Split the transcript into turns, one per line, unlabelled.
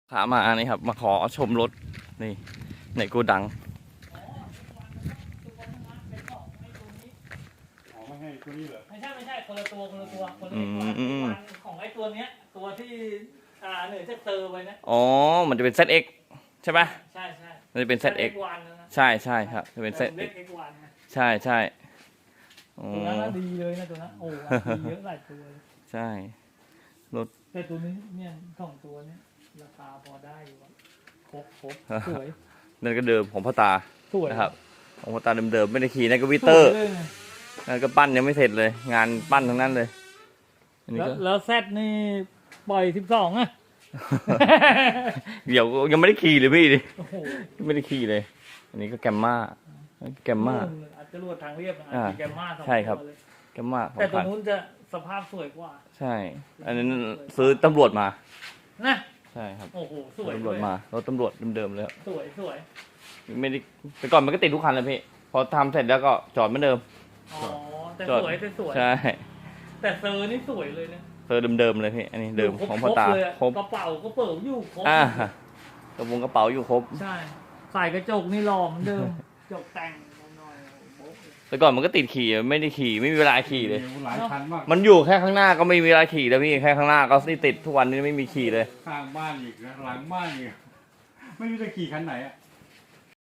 ขามานี่ครับมาขอชมรถนี่ในโกดัง
ไม่ให้ตัวนี้เหรอ
ไม่ใช่คนละตัวคนละของไอ้ตัวเนี้ยตัวที่เหนือจะเตอร์ไปนะ
อ๋อมันจะเป็น ZX ใช่ปะ
ใช่
มันจะเป็น ZX ใช่ครับจะเป็น ZX ใช่
ตัวนั้นดีเลยนะตัวนั้นโอ้ดีเยอะหลายตัว
ใช่รถ
แต่ตัวนี้เนี่ย2ตัวเนี้ยราคาพอได้อยู่ครบสวย
นั่นก็เดิมของพ่อตา
สวย
นะครับของพ่อตาเดิมไม่ได้ขี่นั่นก็วิเตอร์นั่นก็ปั้นยังไม่เสร็จเลยงานปั้นทั้งนั้นเลย
แล้วแซดนี่ปล่อย12อ่ะ
เดี๋ยวยังไม่ได้ขี่เลยพี่ดิไม่ได้ขี่เลยอันนี้ก็แกมมา
อาจจะรวดทางเรียบแกมมา
ใช่ครับแกมมา
แต่ตัวนู้นจะสภาพสวยกว่า
ใช่อันนั้นซื้อตำรวจมา
นะ
ใช่ครับ
โอ้โหสวย
ตำรวจมารถตำรวจเดิมๆเลย
สวย
ไม่ได้แต่ก่อนมันก็ติดทุกคันเลยพี่พอทำเสร็จแล้วก็จอดเหมือนเดิม
อ๋อแต่สวย
ใช่
แต่เซอร์นี่สวยเลยนะ
เซอร์เดิมๆเลยพี่อันนี้เดิมของพ่อตา
ครบกระเป๋าก็เปิดอยู่ครบ
กระเป๋าอยู่ครบ
ใช่ใส่กระจกนี่หล่อเหมือนเดิมจกแต่งหน่อย
แต่ก่อนมันก็ติดขี่ไม่ได้ขี่ไม่มีเวลาขี่เลย
หลายคันมาก
มันอยู่แค่ข้างหน้าก็ไม่มีเวลาขี่แล้วพี่แค่ข้างหน้าก็ติดทุกวันนี้ไม่มีขี่เลย
ข้างบ้านอีกหลังบ้านอีกไม่รู้จะขี่คันไหนอ่ะ